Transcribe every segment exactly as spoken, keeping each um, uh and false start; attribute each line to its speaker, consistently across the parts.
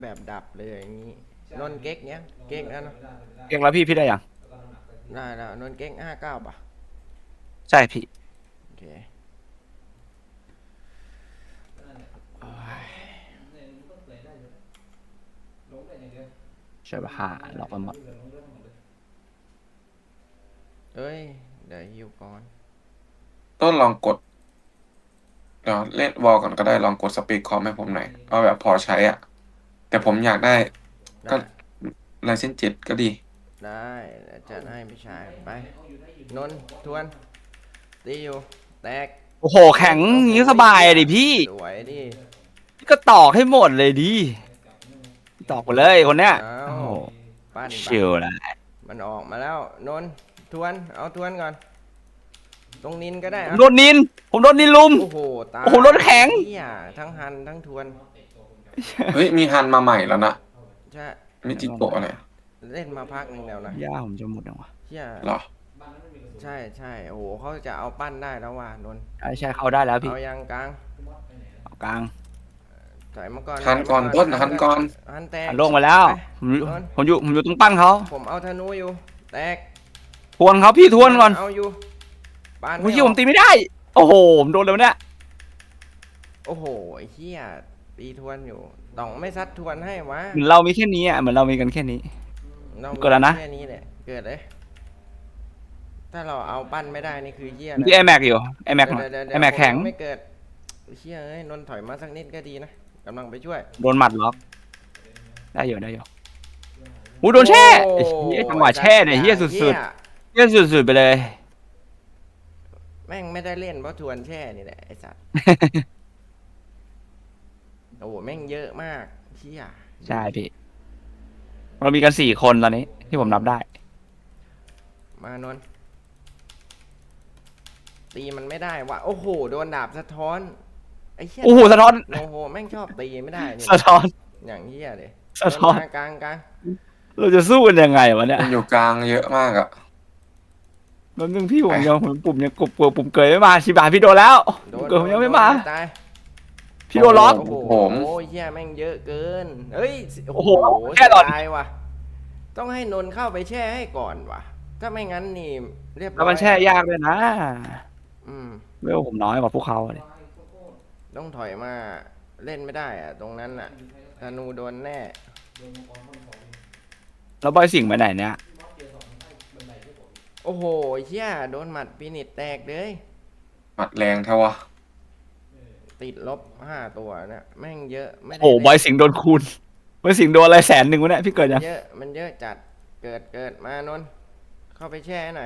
Speaker 1: แบบดับเลยอย่างนี้นนเก๊กเนี้ยเก๊กแล้วเนาะ
Speaker 2: เก่งแล้วพี่พี่ได้ยัง
Speaker 1: ได้แล้วนนเก๊กห้าเก้าป่ะ
Speaker 2: ใช่พี่
Speaker 1: โอเคโอ้ย
Speaker 2: ใช่ป่ะหาหลอกมันหมด
Speaker 1: เอ้ยเดี๋ยวฮิวก่อน
Speaker 3: ต้นลองกดเดี๋ยวเล่นวอลก่อนก็ได้ลองกดสปีดคอมให้ผมหน่อยเอาแบบพอใช้อ่ะแต่ผมอยากได้ก็
Speaker 1: ได้
Speaker 3: ลายเส้นเจ็ดก็ดี
Speaker 1: ได้เดี๋ยวจัดให้พี่ชายไปนนทวนตีอยู่แตก
Speaker 2: โอ้โหแข็งอย่างนี้สบายดิพี่
Speaker 1: สวยดิ
Speaker 2: พี่ก็ตอกให้หมดเลยดิตอกไปเลยคนเนี้ย
Speaker 1: เอา
Speaker 2: โอ้โห
Speaker 1: ปั้นไป
Speaker 2: ชิวนะ
Speaker 1: มันออกมาแล้วนนทวนเอาทวนก่อนตรงนินก็ได้
Speaker 2: ผม
Speaker 1: อะ
Speaker 2: โดนนินผมโดนนินลุม
Speaker 1: โอ้โหตาย
Speaker 2: โอ้โหรถแข็ง
Speaker 1: เหี้ยทั้งหันทั้งทวน
Speaker 3: เฮ้ยมีฮันมาใหม่แล้วนะ
Speaker 1: ใช่
Speaker 3: มิจิโกะอะไร
Speaker 1: เล่นมาพักหนึ่งแล้วนะ
Speaker 2: ย่าผมจะหมดยังวะ
Speaker 1: เชี่ย
Speaker 3: เหรอ
Speaker 1: ใช่ใช่โอ้โหเขาจะเอาปั้นได้แล้วว่ะนนท์
Speaker 2: ใช่ใช่เข้าได้แล้วพี่
Speaker 1: เอายังกลาง
Speaker 2: เอากลาง
Speaker 1: ถอยมาก่อน
Speaker 3: ฮันก่อนต้นฮันก่อน
Speaker 1: หันแตก
Speaker 2: อันลงมาแล้วผมอยู่ผมอยู่ผมอยู่ตรงปั้นเขา
Speaker 1: ผมเอาธนูอยู่แตก
Speaker 2: ทวนเขาพี่ทวนก่อน
Speaker 1: เอาอยู่บ้าน
Speaker 2: โอ้ยผมตีไม่ได้โอ้โหผมโดนเลยเนี่ย
Speaker 1: โอ้โหไอ้เหี้ยตีทวนอยู่ต้องไม่ซัดทวนให้วะ
Speaker 2: เหมือนเรามีแค่นี้อ่ะเหมือนเรามีกันแค่นี้เกิดแล้วนะ
Speaker 1: แค่นี้แหละเกิดเลยถ้าเราเอาปั้นไม่ได้นี่คือเหี้ย
Speaker 2: พี่ไอแม็กอยู่ไอแม็กไอแม็กแข็ง
Speaker 1: ไม่เกิดเชี่ยเอ้ยนนท์ถอยมาสักนิดก็ดีนะกำลังไปช่วย
Speaker 2: โดนหมัดล็อกได้อยู่ได้อยู่หูโดนแช่เฮียจังหวะแช่เนี่ยเฮียสุดๆเฮียสุดๆไปเลย
Speaker 1: แม่งไม่ได้เล่นเพราะทวนแช่นี่แหละไอ้สัตว์ โอ้โหแม่งเยอะมากเชี่ย
Speaker 2: ใช่พี่เรามีกันสี่คนตอนนี้ที่ผมนับได้
Speaker 1: มานนท์ตีมันไม่ได้ว่ะโอ้โหโดนดาบสะท้อนไอ้เชี่ย
Speaker 2: โอ้โหสะท้อน
Speaker 1: โอ้โหแม่งชอบตีไม่ได้นี่
Speaker 2: สะท้อน
Speaker 1: อย่างเหี้ยเลย
Speaker 2: สะท้อน
Speaker 1: กลางกลาง
Speaker 2: เราจะสู้กันยังไงวะเนี่ย
Speaker 3: มันอยู่กลางเยอะมากอ่ะ
Speaker 2: แล้วนึงพี่ผมยังผมปุ่มยังกดปุ่มเกยไม่มาชิบะพี่โดนแล้วเกยผมยังไม่มาพี่โดนล็อก
Speaker 1: โอ้โหเหี้ยแม่งเยอะเกินเฮ้ย
Speaker 2: โอ้โหแค่หลอด
Speaker 1: ตายว่ะต้องให้นนท์เข้าไปแช่ให้ก่อนว่ะถ้าไม่งั้นนี่เรียบร้อย
Speaker 2: แล้วมันแช่ยากเลยนะ
Speaker 1: อืม
Speaker 2: เวลผมน้อยกว่าพวกเขาเลย
Speaker 1: ต้องถอยมาเล่นไม่ได้อะตรงนั้นอะธนูโดนแน่
Speaker 2: แล้วบอยสิงห์ไปไหนเนี่ย
Speaker 1: โอ้โหเชี่ยโดนหมัดปีนิดแตกเลย
Speaker 3: หมัดแรงเท่าวะ
Speaker 1: ติดลบห้าตัวเนี่ยแม่งเยอะไม่ได้
Speaker 2: โอ้บอยสิงห์โดนคูณบอยสิงห์โดนอะไรแสนหนึ่งวะเนี่ยพี่เกิดยัง
Speaker 1: เยอะมันเยอะจัดเกิดเกิดมานนท์เข้าไปแช่หน่อย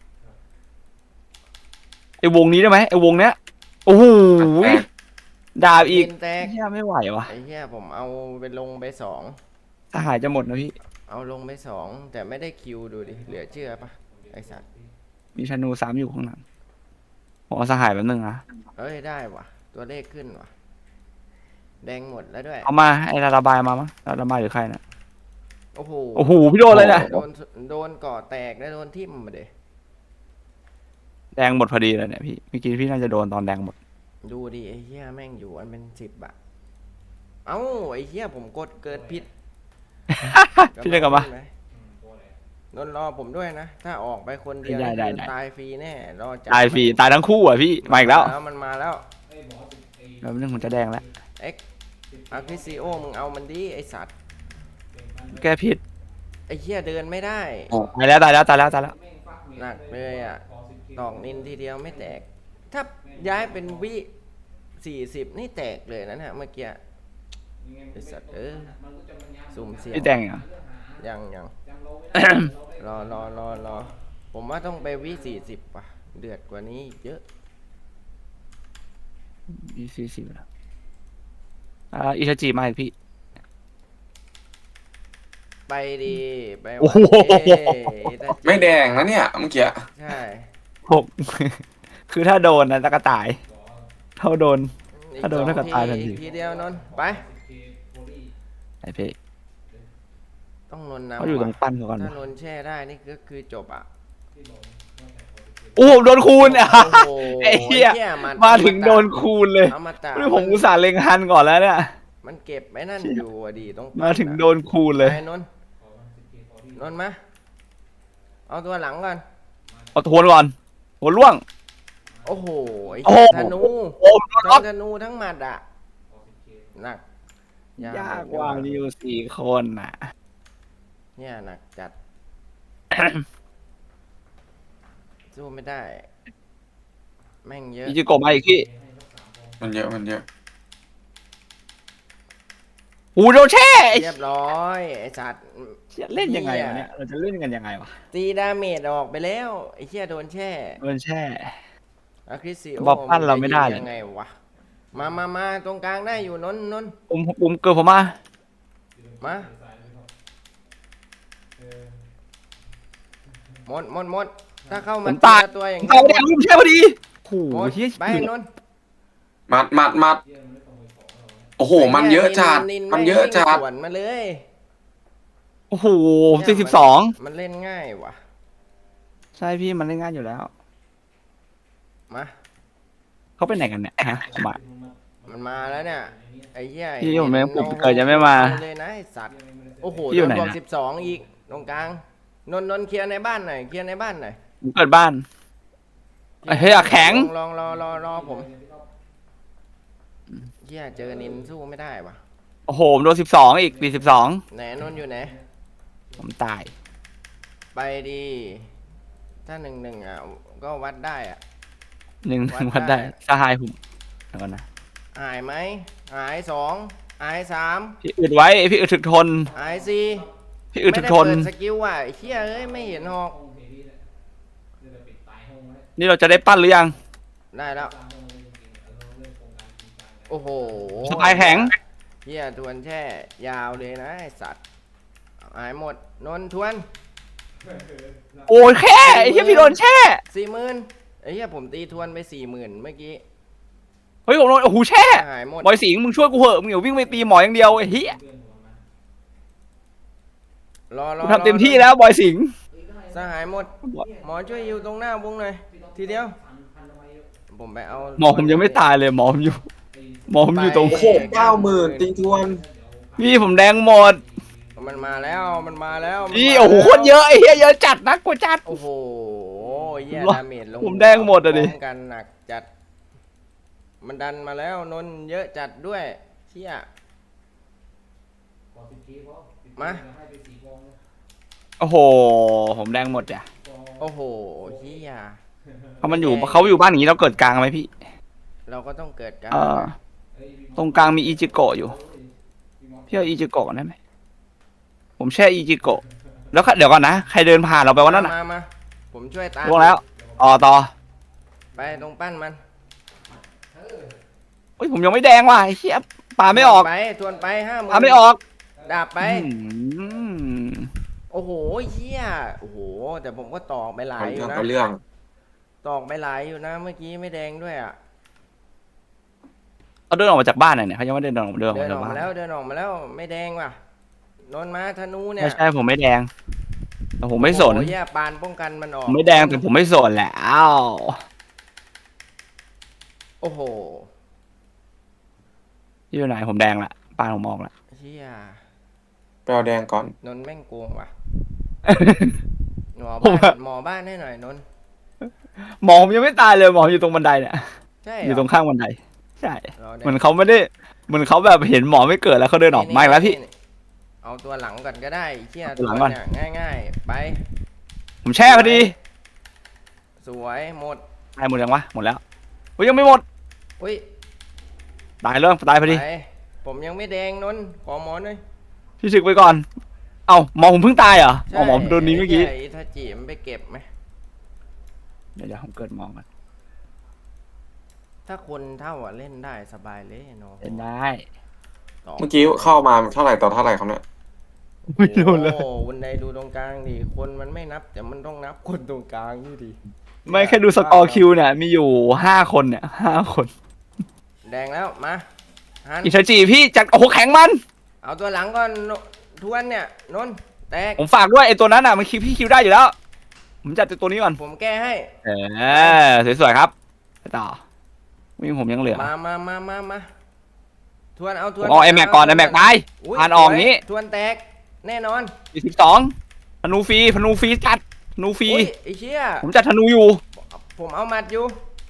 Speaker 2: ไอ้วงนี้ได้ไหมไอ้วงเนี้ยโอ้โหดาบอีก
Speaker 1: แตก
Speaker 2: เฮียไม่ไหววะ
Speaker 1: ไอ้เหี้ยผมเอาไปลงไปสอง
Speaker 2: สหายจะหมดนะพี่
Speaker 1: เอาลงไปสองแต่ไม่ได้คิวดูดิเหลือเชื่อปะไอสัตว์
Speaker 2: มีธนูสามอยู่ข้างหลังผมเอาสหายแป๊บนึงนะ
Speaker 1: เอ้ยได้ว่ะตัวเลขขึ้นว่ะแดงหมดแล้วด้วย
Speaker 2: เอามาไอ้ระบายมามั้งระบายหรือใครนะ
Speaker 1: โอ้โห
Speaker 2: โอ้โหพี่โดนเลยนะ
Speaker 1: โดนโดนก่อแตกแล้วโดนทิ่มมาเด
Speaker 2: แดงหมดพอดีเลยเนี่ยพี่เมื่อกี้พี่น่าจะโดนตอนแดงหมด
Speaker 1: ดูดิไอ้เหี้ยแม่งอยู่อันเป็นสิบอะเอ้าไอ้เหี้ยผมกดเกิดผิด
Speaker 2: พี่ได้กลับมาน
Speaker 1: นรอผมด้วยนะถ้าออกไปคนเดียวตายฟรีแน่รอจับ
Speaker 2: ตายฟรีตายทั้งคู่อ่ะพี่มาอีกแล้ว
Speaker 1: แล้วมันมาแล้ว
Speaker 2: แล้วเรื่องผมจะแดงแล้ว
Speaker 1: เอ็กอาร์คิซิโอมึงเอามันดิไอสัตว์
Speaker 2: แกผิด
Speaker 1: ไอเหี้ยเดินไม่ได้
Speaker 2: ตายแล้วตายแล้วตายแล้วตายแล้ว
Speaker 1: หนักเลยอ่ะตอกนินทีเดียวไม่แตกถ้าย้ายเป็นวิสี่สิบนี่แตกเลยนะฮะเมื่อกี้ไอสัตว์เออสุ่มเสี่ยง
Speaker 2: พี่แดงอ่ะ
Speaker 1: ยังยังรอรอรอรอผมว่าต้องไปวิสี่สิบป่ะเดือดกว่านี้เยอะ
Speaker 2: วิสี่สิบแล้วอ่าอิชาจิมาอีกพี่
Speaker 1: ไปดีไป
Speaker 2: โอ้โห
Speaker 3: ไม่แดงนะเนี่ยเมื่อกี้
Speaker 1: ใช่
Speaker 2: หกคือถ้าโดนนะตะกระต่ายถ้าโดนถ้าโดนตะกระต่ายทันที
Speaker 1: ทีเดียวนนไป
Speaker 2: ไอพี่
Speaker 1: ต้องนนนำ
Speaker 2: เขาอยู่ตรงปั้นเขาก่อน
Speaker 1: ถ้านนแช่ได้นี่ก็คือจบอ่ะ
Speaker 2: โอ้โดนคูณอ่ะไอ้เหี้ยมาถึงโดนคูณเลยนี่ผมอุตส่าห์เล็งฮันก่อนแล้วเนี่ย
Speaker 1: มันเก็บไอ้นั่นอยู่อะดีต้อง
Speaker 2: มาถึงโดนคูณเลย
Speaker 1: ไปนนท์นนท์มาเอาตัวหลังก่อน
Speaker 2: เอาทวนก่อนหัวล่วง
Speaker 1: โอ้โหไอ้
Speaker 2: โอ้โห
Speaker 1: ธนู
Speaker 2: โอ้โห
Speaker 1: ทั้งธนูทั้งหมัดอ่ะหนัก
Speaker 2: ยากกว่ามีอยู่สี่คนน่ะ
Speaker 1: เนี่ยหนักจัด สู้ไม่ได้ แม่งเยอะ
Speaker 2: อิจิโกะมาอีกพี่
Speaker 3: มันเยอะมันเยอะ
Speaker 2: หูโดนแช่ไอ้
Speaker 1: เรียบร้อยไอ้สัตว์
Speaker 2: เชี่ยเล่นยังไงวะเนี่ยเราจะเล่นกันยังไงวะ
Speaker 1: ตีดาเมจออกไปแล้วไอ้เชี่ยโดนแช่
Speaker 2: โดนแช่
Speaker 1: อะคริสซิ
Speaker 2: บอบปั้นเราไม่ได้เลย
Speaker 1: ยังไงวะมามามาตรงกลางได้อยู่นนท์นนท์
Speaker 2: ปุ่มปุ่มเกิดผมมา
Speaker 1: มาหมดหมดหมดถ้าเข้า
Speaker 2: ผ
Speaker 1: มาม
Speaker 2: ตาย
Speaker 1: ทีละตัวอย่าง
Speaker 2: ตายไปแล้วผมแช่พอดีโอ้
Speaker 1: หม
Speaker 2: โห
Speaker 1: ด
Speaker 2: เฮีย
Speaker 1: ไปนนท์
Speaker 3: มัดมัดมัดโอ้โห มันเยอะจัด
Speaker 1: นิน
Speaker 3: มันเยอะจัด
Speaker 1: สวนมาเลย
Speaker 2: โอ้โหสี่สิบสอง
Speaker 1: มันเล่นง่ายว่ะ
Speaker 2: ใช่พี่มันเล่นง่ายอยู่แล้ว
Speaker 1: มา
Speaker 2: เขาไปไหนกันเนี่ยฮะมา
Speaker 1: มันมาแล้วเนี่ยไอ้เหี้ย
Speaker 2: พี่ผมไม่ผม
Speaker 1: โอ้โห
Speaker 2: เกิดจะไม่มา
Speaker 1: เอเลยนะไอ้สัตว์โอ้โห
Speaker 2: พี่อยู่
Speaker 1: โดน
Speaker 2: ไหน
Speaker 1: บวก
Speaker 2: นะ
Speaker 1: สิบสองอีกตรงกลางนนท์นนท์เคลียร์ในบ้านหน่อยเคลียร์ในบ้านหน่อย
Speaker 2: ผมเกิดบ้าน ไอ้เหี้ยแข็ง
Speaker 1: ลองลองรอรอรอผมเหี้ยเจอนินสู้ไม่ได้ว่ะ
Speaker 2: โอ้โหผมโดนสิบสองอีกปีสิบสอง
Speaker 1: ไหนนนท์อยู่ไหน
Speaker 2: ผมตาย
Speaker 1: ไปดีถ้าหนึ่งหนึ่งอ่ะก็วัดได้อ่ะ
Speaker 2: หนึ่ง
Speaker 1: วัด
Speaker 2: วัดได้
Speaker 1: ได้
Speaker 2: สหายผมเดี๋ยวก่อนนะ
Speaker 1: หายไหมหายสองหายสาม
Speaker 2: พี่อึดไว้พี่อึดถึกทน
Speaker 1: หายสี่
Speaker 2: พี่อึด
Speaker 1: ไม่
Speaker 2: ถึก
Speaker 1: ได้
Speaker 2: ทน
Speaker 1: เปิดสกิลว่ะไอ้เหี้ยเอ้ยไม่เห็นหอก
Speaker 2: นี่เราจะได้ปั้นหรือยัง
Speaker 1: ได้แล้วโอ้โห
Speaker 2: สบายแข็ง
Speaker 1: เหี้ยทวนแช่ยาวเลยนะไอ้สัตว์หายหมดนนท์ทวน
Speaker 2: โอ้ยแค่ไอ้เหี้ยพี่โดนแช่
Speaker 1: สี่หมื่นไอ้เหี้ยผมตีทวนไปสี่หมื่นเมื่อกี้
Speaker 2: เฮ้ยผมโดนโอ้โหแช่
Speaker 1: หายหมด
Speaker 2: บอยสิงห์มึงช่วยกูเหอะมึงอย่าวิ่งไปตีหมออย่างเดียวไอ้เหี้ย
Speaker 1: รอรอ
Speaker 2: กูทำเต็มที่แล้วบอยสิงห์
Speaker 1: สหายหมด หมอช่วยอยู่ตรงหน้าวงหน่อยทีเดียว ผมไปเอา
Speaker 2: หมอผมยังไม่ตายเลยหมอผมอยู่ หมอผมอยู่ตรง
Speaker 1: ไป
Speaker 3: โอ้โหเก้าหมื่นตีทวน
Speaker 2: พี่ผมแดงหมด
Speaker 1: มันมาแล้วมันมาแล้วมัน
Speaker 2: พี่
Speaker 1: มา
Speaker 2: โอ้โห
Speaker 1: แล้ว
Speaker 2: โคตรเยอะไอ้เหี้ยเยอะจัดนักกว่าจัด
Speaker 1: โอ้โหเหี้ย
Speaker 2: ผมว่า
Speaker 1: ดาเมจลง
Speaker 2: ผมแดงหมดอะดิ
Speaker 1: พร้มกันหนักจัด มันดันมาแล้วนนท์เยอะจัดด้วยเชี่ยมา
Speaker 2: โอ้โหผมแดงหมดอ่ะ
Speaker 1: โอ้โหเฮีย
Speaker 2: เพราะมันอยู่เขาอยู่บ้านอย่างนี้เราเกิดกลางไหมพี่
Speaker 1: เราก็ต้องเกิดการ
Speaker 2: เออตรงกลางมีอิจิโกะอยู่พี่เอาอิจิโกะได้ไหมผมแช่อิจิโกะแล้วเดี๋ยวก่อนนะใครเดินผ่านเราไปวันนั้นน่ะ
Speaker 1: มามาผมช่วยตาม
Speaker 2: ล่วงแล้วอ๋อต่อ
Speaker 1: ไปตรงปั้นมัน
Speaker 2: เฮ้ยผมยังไม่แดงว่ะไอ้เหี้ยปาไม่ออก
Speaker 1: ไปทวนไปห้าหมื่น
Speaker 2: ปาไม่ออก
Speaker 1: ดาบไป
Speaker 2: อืม
Speaker 1: โอ้โหเฮียโอ้โห แต่ผมก็ตอกไปหลาย
Speaker 3: เอา
Speaker 1: อ
Speaker 3: เรื่อยู่ ง
Speaker 1: นะ
Speaker 3: เอาเรื่อง
Speaker 1: ตอกไปหลายอยู่นะ เมื่อกี้ไม่แดงด้วยอ่ะ
Speaker 2: เขาเดินออกมาจากบ้านหน่อยเนี่ยเขายังไม่ได้เดินออกเดินออก
Speaker 1: เดิ
Speaker 2: มาน
Speaker 1: อ
Speaker 2: จาก
Speaker 1: อก
Speaker 2: บ้า
Speaker 1: มาน แล้วเดินออกมาแล้วไม่แดงว่ะนนท์มาธนูเนี่ย
Speaker 2: ไม่ใช่ผมไม่แดงแต่ผมไม่สน
Speaker 1: โอ้โหเหี้ยปานป้องกันมันออ
Speaker 2: ผ
Speaker 1: ก
Speaker 2: มไม่แดงแต่ผมไม่สนแล้ว
Speaker 1: โอ้โห
Speaker 2: อยู่ไหนผมแดงละปานผมออกละ
Speaker 1: เฮีย
Speaker 3: ไปเอาแดงก่อน
Speaker 1: นนท์แม่งโกงว่ะหมอ
Speaker 2: ผม
Speaker 1: บ้าน
Speaker 2: อะ
Speaker 1: หมอบ้านให้หน่อยนนท์
Speaker 2: หมอผมยังไม่ตายเลยหมออยู่ตรงบันไดเนี่ย
Speaker 1: ใช่
Speaker 2: อยู่ตรงข้างบันไดใช่
Speaker 1: รอได้
Speaker 2: เหมือนเขาไม่ได้เหมือนเขาแบบเห็นหมอไม่เกิดแล้วเขาเดินออกมาอีกแล้วพี่
Speaker 1: นี่เอาตัวหลังก่อนก็ได้เชี่ย
Speaker 2: เอาตัวหลังก่อน
Speaker 1: เยง่ายๆ ไป
Speaker 2: ผมแช่พอดี
Speaker 1: สวยหมด
Speaker 2: ตายหมดยังวะหมดแล้วโอ้ยยังไม่หมด
Speaker 1: อุ้ย
Speaker 2: ตายเรื่องตายพอดี
Speaker 1: ไปผมยังไม่แดงนนท์ขอหมอหน่อย
Speaker 2: พี่ศึกไปก่อนเอ้าหมอผมเพิ่งตายเหรออ๋อหมอผมโดนนี้เมื่อกี้
Speaker 1: ใช่ถ้าจีมนไปเก็บไหม
Speaker 2: เดี๋ยวเดี๋ยวผมเกิดหมอกัน
Speaker 1: ถ้าคนเท่าอ่ะเล่นได้สบายเลยเนาะ
Speaker 2: เล่นได้
Speaker 1: ต่อ
Speaker 3: เมื่อกี้เข้ามาเท่าไหร่ต่อเท่าไหร่ครับเนี่ย
Speaker 2: ไม่โดนเลย
Speaker 1: โอ้วันใดดูตรงกลางดิคนมันไม่นับ แต่มันต้องนับคนตรงกลางนี่ดิ
Speaker 2: ไม่แค่ดูสกอร์คิวเนี่ยมีอยู่ห้าคนเนี่ยห้าคน
Speaker 1: แดงแล้วมาฮัน
Speaker 2: อิชาจิพี่จัดโอ้โหแข็งมัน
Speaker 1: เอาตัวหลังก่อนโนทวนเนี่ยนนท์แตก
Speaker 2: ผมฝากด้วยไอ้ตัวนั้นอ่ะมันคิวพี่คิวได้อยู่แล้ว ผมจัดตัวนี้ก่อน
Speaker 1: ผมแก้ให้
Speaker 2: เออสวยๆครับไปต่อวิ่งผมยังเหลือ
Speaker 1: มามามามามาททวนเอาท
Speaker 2: ผ
Speaker 1: วน
Speaker 2: มเอาไอแม็กก่อนไอแม็กตาย
Speaker 1: ย
Speaker 2: ผ่านออกงี้
Speaker 1: ทวนแตกแน่นอน
Speaker 2: สี่สิบสองธนูฟรีธนูฟรีจัดธนูฟรี
Speaker 1: อุ้ยไอ้เชี่ย
Speaker 2: ผมจัดธนูอยู่
Speaker 1: ผมเอามัดอยู่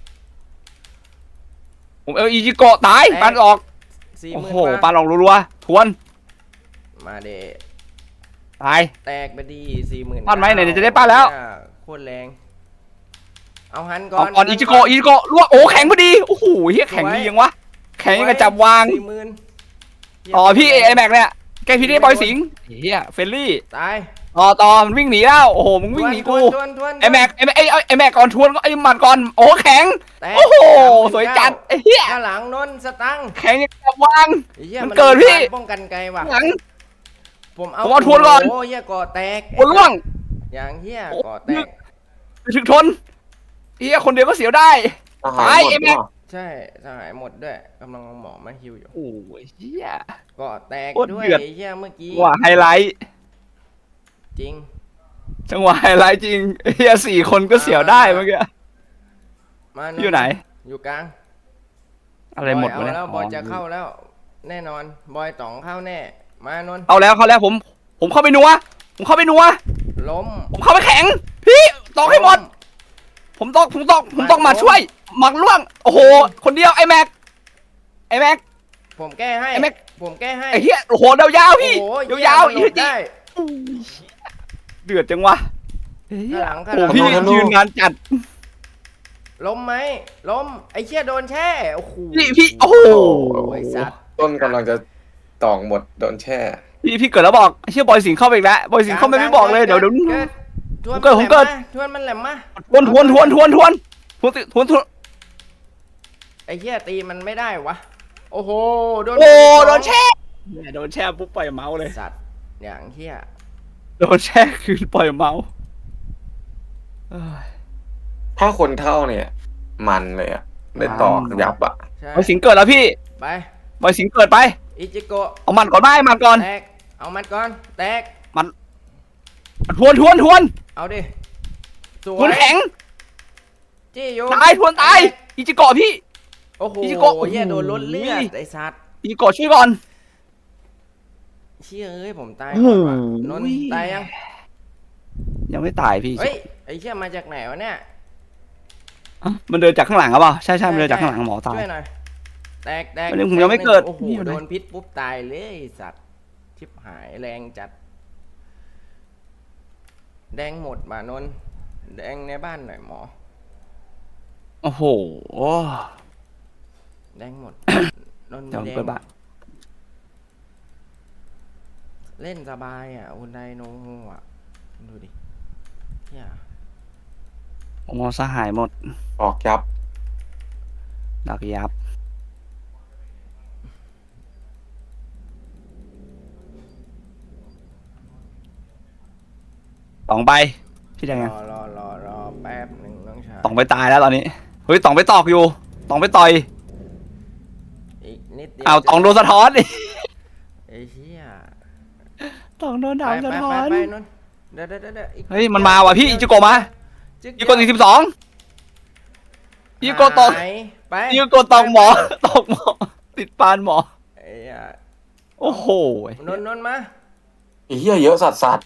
Speaker 2: ผมเอาอีจิโกะตาย
Speaker 1: แตก
Speaker 2: ปานออก
Speaker 1: สี่ห
Speaker 2: โอ้
Speaker 1: มื่น
Speaker 2: โห
Speaker 1: กว่า
Speaker 2: ปานออกรัวๆทวน
Speaker 1: มาเด
Speaker 2: ตาย
Speaker 1: แตกไปดีสี่หมื่น
Speaker 2: ปั้นไหมไหนๆจะได้ปั้นแล้ว
Speaker 1: โคตรแรงเอาหันก่
Speaker 2: ก่
Speaker 1: อ
Speaker 2: อน นก่อนอีจิโกะอีจิโกะลวกโอ้แข็งพอดีโอ้โหเฮียแข็งดียังวะแข็งยังกระจับวาง
Speaker 1: สี่หมื่น
Speaker 2: ต่อพี่ไอแม็กเนี่ยแกพี่ได้บอยสิงห์เฮียเฟรนลี่
Speaker 1: ตาย
Speaker 2: ต่อต่อมันวิ่งหนีแล้วโอ้โหมึงวิ่งหนีกู
Speaker 1: ทวนทวนทวน
Speaker 2: ไอแม็กไอแม็กไอไอ้ไอแม็กก่อนทวนก็ไอหมัดก่อนโอ้แข็ง
Speaker 1: แตก
Speaker 2: โอ้โห
Speaker 1: สามหมื่น
Speaker 2: สวยจัดไอเฮีย
Speaker 1: ข้างหลังนนท์สตังค์
Speaker 2: แข็งยังกระจับวาง
Speaker 1: ไอ้หี้ย
Speaker 2: มันเกิดพี่
Speaker 1: การป้องกันไกลว่ะ
Speaker 2: หลัง
Speaker 1: ผมเอา
Speaker 2: ผมเอาทวนก่อน
Speaker 1: โอ้เหี้ยก่อแตก
Speaker 2: คนล่วง
Speaker 1: อย่างเหี้ย
Speaker 2: โอ้
Speaker 1: ก่อแตก
Speaker 2: ไปถึงทนเฮียคนเดียวก็เสียวได้
Speaker 3: ทหารหมด
Speaker 2: ไอ้แม็ก
Speaker 3: เนาะ
Speaker 1: ใช่สหายหมดด้วยกำลังเอาหมอมาฮิวอยู่
Speaker 2: โอ้ยเฮีย
Speaker 1: ก่อแตก
Speaker 2: โคตร
Speaker 1: ด้วย
Speaker 2: เดือด
Speaker 1: ไอ้เหี้ยเมื่อกี้
Speaker 2: จังหวะไฮไลท์
Speaker 1: จริง
Speaker 2: จังหวะไฮไลท์จริงเฮียสี่คนก็เสียวได้เมื่อกี้
Speaker 1: มา
Speaker 2: อยู่ไหน
Speaker 1: อยู่กลาง
Speaker 2: อะไรหมด
Speaker 1: บอ
Speaker 2: วะ
Speaker 1: ย
Speaker 2: เนี่ย
Speaker 1: เอาแล้วบอยจะเข้าแล้ว แน่นอน บอยต๋องเข้าแน่ มานนท์
Speaker 2: เอาแล้วเข้าแล้วผม ผมเข้าไปนัวผมเข้าไปนัว
Speaker 1: ล้ม
Speaker 2: ผมเข้าไปแข็ง พี่ตอกให้หมด ผมตอกผมตอกผมตอกมาช่วยหมักล่วงโอ้โหคนเดียวไอแม็กไอแม็ก
Speaker 1: ผมแก้ให้
Speaker 2: ไอ้แม็ก
Speaker 1: ผมแก้ให้
Speaker 2: ไอเฮียโอ้โหยาวๆพี่
Speaker 1: โอ้โห
Speaker 2: ยาวๆ
Speaker 1: เหี้
Speaker 2: อี
Speaker 1: ย
Speaker 2: ก
Speaker 1: มันหลบ
Speaker 2: ที
Speaker 1: ได้
Speaker 2: เดือดจังวะเฮีย
Speaker 1: ข้างหลังข้าง
Speaker 2: โอ้
Speaker 1: หลัง
Speaker 2: โหพี่ยืนนานจัด
Speaker 1: ล้มไหมล้มไอ้เชี่ยโดนแช่โอ้โห
Speaker 2: พี่พี่โอ้โห
Speaker 1: ไอ้สัตว์
Speaker 3: ต้นกำลังจะตอกหมดโดนแช่
Speaker 2: พี่พี่เกิดแล้วบอกไอ้เชื่อบอยสิงห์เข้าไปอีกแล้วบอยสิงห์เข้าไปไม่บอกเลยเดี๋ยวเดี๋ยว
Speaker 1: ทวน
Speaker 2: ผมเกิดผมเกิด
Speaker 1: ทวนมันแหลมมา
Speaker 2: ทวนทวนทวนทวนทวนทวนทวนทวน
Speaker 1: ไอ้เหี้ยตีมันไม่ได้วะโอ้โหโดน
Speaker 2: โอ้
Speaker 1: ไปสง
Speaker 2: โดนแช่เนี่ยโดนแช่ปุ๊บปล่อยเมาส์เลย
Speaker 1: สัตว์อย่างเหี้ย
Speaker 2: โดนแช่คืนปล่อยเมาส์เอ้ย
Speaker 3: ถ้าคนเท่าเนี่ย มันเลยอะได้ตอกยับอะ
Speaker 1: ใช่
Speaker 2: บอยสิงห์เกิดแล้วพี่
Speaker 1: ไป
Speaker 2: บอยสิงห์เกิดไป
Speaker 1: อิจิโกะ
Speaker 2: เอามันก่อนไหมมันก่อน
Speaker 1: แตกเอามันก่อนแตก
Speaker 2: ทวนทวนทวน
Speaker 1: เอาดิสว
Speaker 2: ทวน
Speaker 1: ย
Speaker 2: แข็ง
Speaker 1: จี้โย
Speaker 2: ตายทวนตายอิจิโกะพี่
Speaker 1: โอ้โห
Speaker 2: อิจิโกะ
Speaker 1: เหี้ยโดนลดเลือด
Speaker 2: อุ้ย
Speaker 1: ไอ้สัตว์
Speaker 2: อิจิโกะช่วยก่อน
Speaker 1: เชี่ยเอ้ยผมตาย
Speaker 2: โอ้โห
Speaker 1: ก่อนว่ะนนท์ตายยัง
Speaker 2: ยังไม่ตายพี่
Speaker 1: เฮ้ยไอ้เชี่ยมาจากไหนวะเนี่ย
Speaker 2: อ่ะมันเดินจากข้างหลังหรือเปล่าใช่ใช่มันเดินจากข้างหลังหมอตาย
Speaker 1: ช่วยหน่อยแตกแตก
Speaker 2: อันนี้ผมยังไม่เกิด
Speaker 1: โอ้โห
Speaker 2: นี่อยู่ไหน
Speaker 1: โดนพิษปุ๊บตายเลยไอ้สัตว์ชิบหายแรงจัด แดงหมดมานนท์แดงในบ้านหน่อยหมอ
Speaker 2: โอ้โห
Speaker 1: แดงหมด นนท์
Speaker 2: เดี๋ยวผม
Speaker 1: แดง
Speaker 2: เปิดบ้าน
Speaker 1: เล่นสบายอ่ะอุนไดโนงูอ่ะดูดิเฮีย
Speaker 2: ผมเอาสหายหมด
Speaker 3: ตอกยับ
Speaker 2: ดักยับต่องไปพี่แดง
Speaker 1: ร
Speaker 2: ยัง
Speaker 1: อรอรอรอแป๊บหนึ่งน้องชาย
Speaker 2: ต่องไปตายแล้วตอนนี้เฮ้ยต่องไปตอกอยู่ต่องไปต่อย
Speaker 1: อีกนิดเดียว
Speaker 2: อ้าวต่องโดนสะท้อนดิ
Speaker 1: ไอ้เฮีย
Speaker 2: ต่องโดน
Speaker 1: ไป
Speaker 2: ดาวสะ
Speaker 1: ไป
Speaker 2: ท้อ
Speaker 1: ไป
Speaker 2: น
Speaker 1: ไปนนท์เดี๋ยวเดี๋ยวเดี๋ยวอีก
Speaker 2: เฮ้ยมันมาว่ะพี่อิจิโกะมา
Speaker 1: จึ๊
Speaker 2: อิจิโกะสี่สิบสองอิจิโกะตอก
Speaker 1: หายไป
Speaker 2: อิจิโกะตอกหมอตอกหมอติดปานหมอ
Speaker 1: ไอ้เหี้ย
Speaker 2: โอ้โห
Speaker 1: นนท์นนท์มา
Speaker 3: ไอ้เหี้ยเยอะสัตว์สัตว์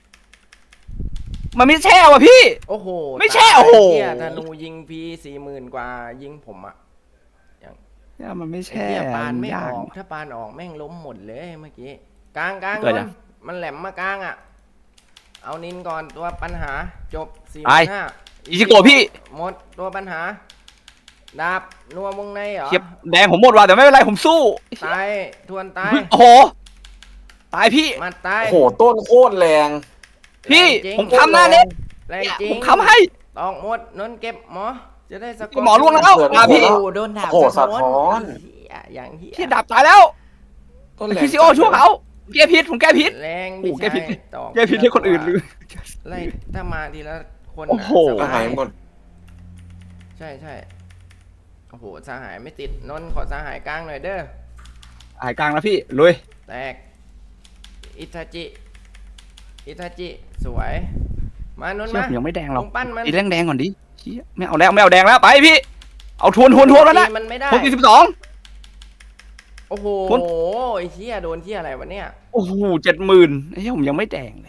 Speaker 2: มันไม่แช่ว่ะพี่
Speaker 1: โอ้โห
Speaker 2: ไม่ใช่
Speaker 1: ตาย
Speaker 2: โอ้โห
Speaker 1: เฮียธนูยิงพีสี่หมื่นกว่ายิงผมอ่ะ
Speaker 2: เนี่ยมันไม่
Speaker 1: ไอ้
Speaker 2: แช่
Speaker 1: เฮียปานไม่
Speaker 2: ยา
Speaker 1: อก อกถ้าปานออกแม่งล้มหมดเลยเมื่อกี้กลางกลาง
Speaker 2: เกิด
Speaker 1: น
Speaker 2: ยัง
Speaker 1: นท์มันแหลมมากลางอ่ะ เอานินก่อนตัวปัญหาจบสี่
Speaker 2: ไป
Speaker 1: ห้า
Speaker 2: อิจิโกะพี่
Speaker 1: หมดตัวปัญหา ดาบนัววงในเหรอ
Speaker 2: เทียบแดงผมหมดว่ะแต่ไม่เป็นไรผมสู้
Speaker 1: ตายทวนตาย
Speaker 2: โอ้โหตายพี่
Speaker 1: มาตาย
Speaker 3: โอ้โหต้นโคตรแรง
Speaker 2: พี่
Speaker 1: แรงจริง
Speaker 2: ผมค้ำหน้าเน็ต
Speaker 1: แรงจริง
Speaker 2: ผมค้ำให้
Speaker 1: ตอกหมดนนท์เก็บหมอ จะได้สก
Speaker 2: หมอล่วงแล้ว
Speaker 3: เกิด
Speaker 2: มาพี่
Speaker 1: โอ้โหโดนดาบ
Speaker 3: โอ้โหสะท้อน
Speaker 1: เหี้ยอย่างเหี้ย
Speaker 2: พี่ดับตายแล้ว
Speaker 3: ต้นแรง
Speaker 2: พีซีโอช่วยเขาแก้พิษผมแก้พิษ
Speaker 1: แรง
Speaker 2: โอ้โหแก้พิษ
Speaker 1: ตอก
Speaker 2: แก้พิษให้คนอื่นเลย
Speaker 1: ไล่ถ้ามาทีละคน
Speaker 2: โอ้โห
Speaker 1: น่ะ
Speaker 3: ก็
Speaker 1: ส
Speaker 3: หา
Speaker 1: บาย
Speaker 3: ยหมด
Speaker 1: ใช่ใช่โอ้โหสหายไม่ติดนนท์ขอสหายกลางหน่อยเด้อ
Speaker 2: หายกลางแล้วพี่ลุย
Speaker 1: แตก อิทาจิ อิทาจิ สวย มานนท์
Speaker 2: เชี่ย
Speaker 1: มา
Speaker 2: ผมยังไม่แดงหรอก
Speaker 1: ลงปั้นมัน
Speaker 2: ตีแดงแดงก่อนดิเชี่ยไม่เอาแล้วไม่เอาแดงแล้วไปพี่เอาทวนทวนทวนแล้วนะ
Speaker 1: ตีมันไม่ได้
Speaker 2: ทวนสี่สิบสอง
Speaker 1: โอ้โห
Speaker 2: คุณ
Speaker 1: ไอ้เหี้ยโดนเหี้ยอะไรวะเนี่ย
Speaker 2: โอ้โหเจ็ดหมื่นไอ้เหี้ยผมยังไม่แดงเลย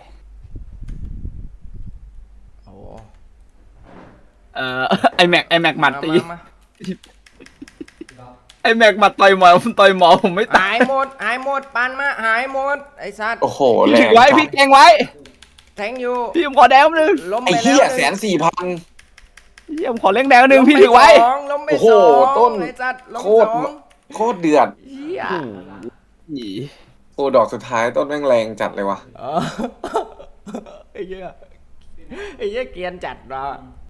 Speaker 1: โอ้
Speaker 2: เอ่อ ไอแม็กไอแม็กหมัดตี
Speaker 1: มามา
Speaker 2: ไอแม็กหมัดต่อยหมอผมต่อยหมอผมไม่ตา
Speaker 1: หาย ยหมดหายหมดปานมาหายหมดไอ้สัตว์
Speaker 3: โอ้โห
Speaker 2: พี่
Speaker 3: แร
Speaker 2: ถึ
Speaker 3: ง
Speaker 2: งไว้
Speaker 3: จัด
Speaker 2: พี่แกงไว้
Speaker 1: แทงอยู่
Speaker 2: พี่ผมขอแดงนึง
Speaker 1: ล้ม
Speaker 3: ไอ้
Speaker 1: ไป
Speaker 3: เหี้
Speaker 1: แล้
Speaker 3: ยว แสนสี่พัน
Speaker 2: เยี่ยมขอเล่งแดงนึงพี่ถึงไว้
Speaker 1: สองล้มไป
Speaker 3: โอ้โห
Speaker 1: สอง
Speaker 3: ต้น
Speaker 1: ไอ้สัตว์ล้ม
Speaker 3: โคตร
Speaker 1: สอง
Speaker 3: โคตรเดือด
Speaker 1: เหี้ย
Speaker 2: อี
Speaker 3: โอ้ดอกสุดท้ายต้นแม่งแรงจัดเลยว่ะ
Speaker 1: เออไอ้เหี้ยไอ้เหี้ยเกรียนจัดเรา